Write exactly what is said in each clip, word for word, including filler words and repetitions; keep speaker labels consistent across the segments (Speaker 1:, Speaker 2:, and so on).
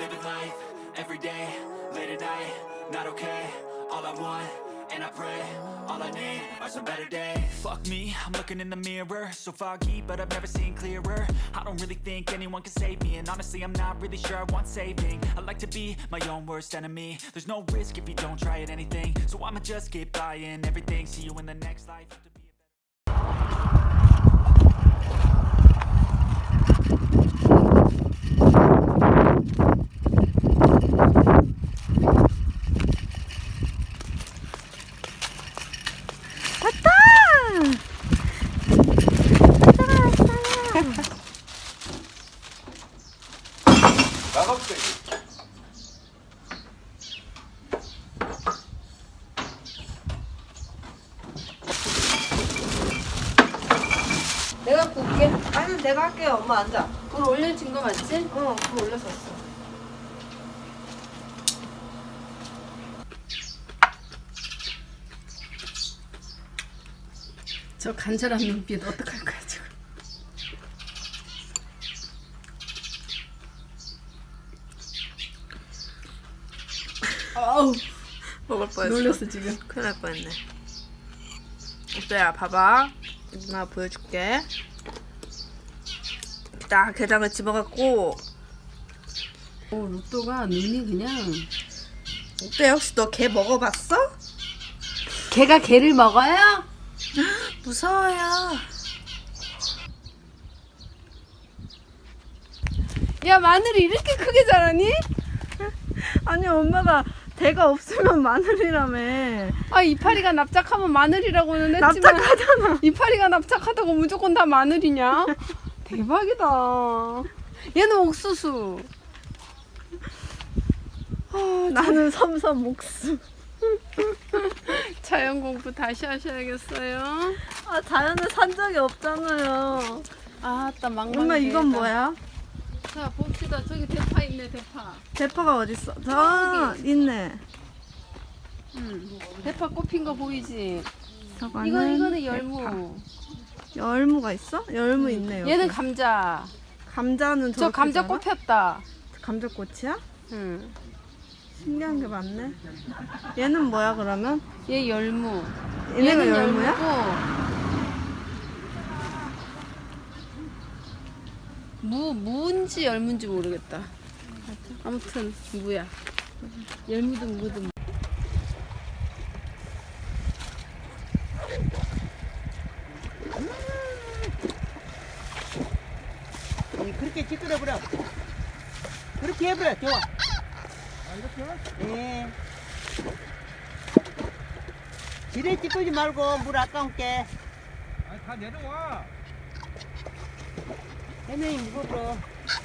Speaker 1: living life, every day, late at night, not okay. All I want, and I pray, all I need are some better days. Fuck me, I'm looking in the mirror, so foggy, but I've never seen clearer. I don't really think anyone can save me, and honestly I'm not really sure I want saving. I like to be my own worst enemy. There's no risk if you don't try at anything, so I'ma just keep buying everything. See you in the next life.
Speaker 2: 내가 구울게.
Speaker 3: 아니 내가 할게요. 엄마 앉아.
Speaker 2: 불 올려진 거 맞지?
Speaker 3: 어, 불 올렸었어.
Speaker 2: 저 간절한 눈빛 어떡할 거야 지금. 아우
Speaker 3: 먹을 뻔했어.
Speaker 2: 놀랬어 지금.
Speaker 3: 큰일 날 뻔했네. 오빠야 봐봐. 누나 보여줄게. 딱 게장을 집어갖고.
Speaker 2: 오 로또가 눈이 그냥.
Speaker 3: 어때? 혹시 너 게 먹어봤어?
Speaker 2: 개가 개를 먹어요?
Speaker 3: 무서워요.
Speaker 2: 야 마늘이 이렇게 크게 자라니?
Speaker 3: 아니 엄마가 대가 없으면 마늘이라며.
Speaker 2: 아 이파리가 납작하면 마늘이라고는 했지만
Speaker 3: 납작하잖아.
Speaker 2: 이파리가 납작하다고 무조건 다 마늘이냐? 대박이다. 얘는 옥수수. 아,
Speaker 3: 나는 섬섬 목수.
Speaker 2: 자연 공부 다시 하셔야겠어요.
Speaker 3: 아 자연을 산 적이 없잖아요.
Speaker 2: 아따 막막.
Speaker 3: 엄마 이건 뭐야?
Speaker 2: 자 봅시다. 저기 대파 있네 대파.
Speaker 3: 대파가 어딨어? 저 있네.
Speaker 2: 응. 대파 꽃핀 거 보이지?
Speaker 3: 저거는
Speaker 2: 이거 이거는
Speaker 3: 대파.
Speaker 2: 열무.
Speaker 3: 열무가 있어? 열무 있네 여기.
Speaker 2: 얘는 감자.
Speaker 3: 감자는
Speaker 2: 저
Speaker 3: 저렇게
Speaker 2: 감자
Speaker 3: 자라?
Speaker 2: 꽃 폈다.
Speaker 3: 감자꽃이야?
Speaker 2: 응.
Speaker 3: 신기한 게 많네. 얘는 뭐야 그러면?
Speaker 2: 얘 열무.
Speaker 3: 얘네가
Speaker 2: 얘는
Speaker 3: 열무야?
Speaker 2: 열무고. 무 무인지 열무인지 모르겠다. 아무튼 무야. 열무든 무든.
Speaker 4: 그렇게 찌끄러버려. 그렇게 해버려. 좋아. 네. 지레 찌끄지 말고 물 아까운게.
Speaker 5: 아니 다 내려와.
Speaker 4: 해명이 무거워.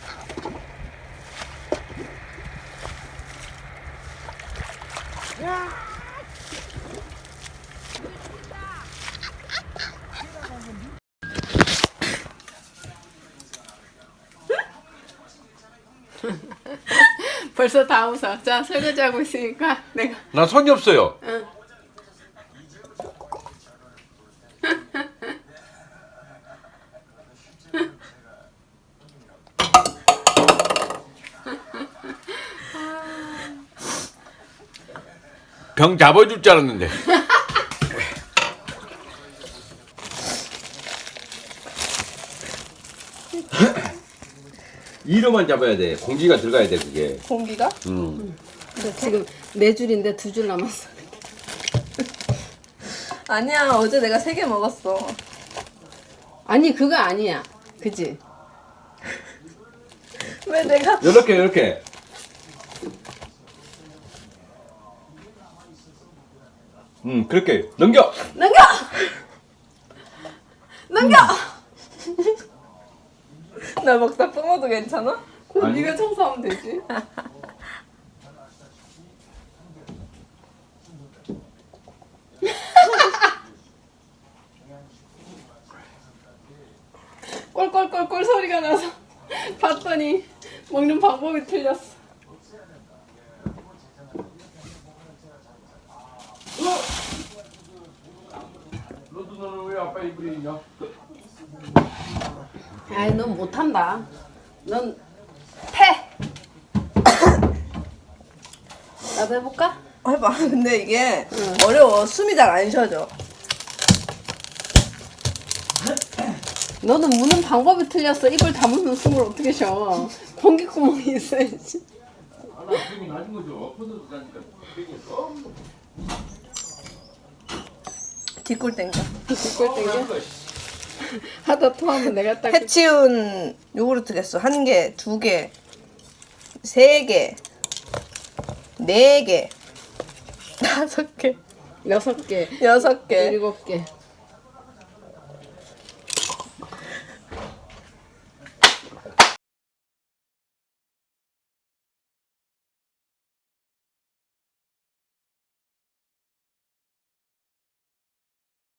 Speaker 4: 야.
Speaker 2: 벌써 다 웃어. 자 설거지 하고 있으니까 내가.
Speaker 5: 나 손이 없어요.
Speaker 2: 응.
Speaker 5: 병 잡아줄 줄 알았는데. 이로만 잡아야 돼. 공기가 들어가야 돼 그게.
Speaker 3: 공기가?
Speaker 5: 음.
Speaker 2: 근데 지금 네 줄인데 두 줄 남았어.
Speaker 3: 아니야 어제 내가 세 개 먹었어.
Speaker 2: 아니 그거 아니야. 그지?
Speaker 3: 왜 내가
Speaker 5: 이렇게 이렇게. 음 그렇게 넘겨.
Speaker 3: 넘겨! 넘겨! 나 먹다 뿜어도 괜찮아?
Speaker 2: 그럼
Speaker 5: 아니.
Speaker 2: 네가 청소하면 되지. 꼴꼴꼴꼴 소리가 나서 봤더니 먹는 방법이 틀렸어.
Speaker 5: 너도 너는 왜 아빠 입으려 있냐?
Speaker 2: 아이 넌 못한다. 넌 패. 나도 해볼까?
Speaker 3: 해봐. 근데 이게 어려워. 숨이 잘 안 쉬어져.
Speaker 2: 너는 무는 방법이 틀렸어. 입을 다물면 숨을 어떻게 쉬어? 공기구멍이 있어야지.
Speaker 5: 하나 힘이 낮은 거죠. 퍼져도 가니까 되겠어.
Speaker 3: 뒷골 땡겨.
Speaker 2: 뒷골 땡겨? 하다 토하면 내가 딱
Speaker 3: 해치운 요구르트 개수 한 개, 두 개, 세 개, 네 개, 다섯 개,
Speaker 2: 여섯 개,
Speaker 3: 여섯 개,
Speaker 2: 일곱 개.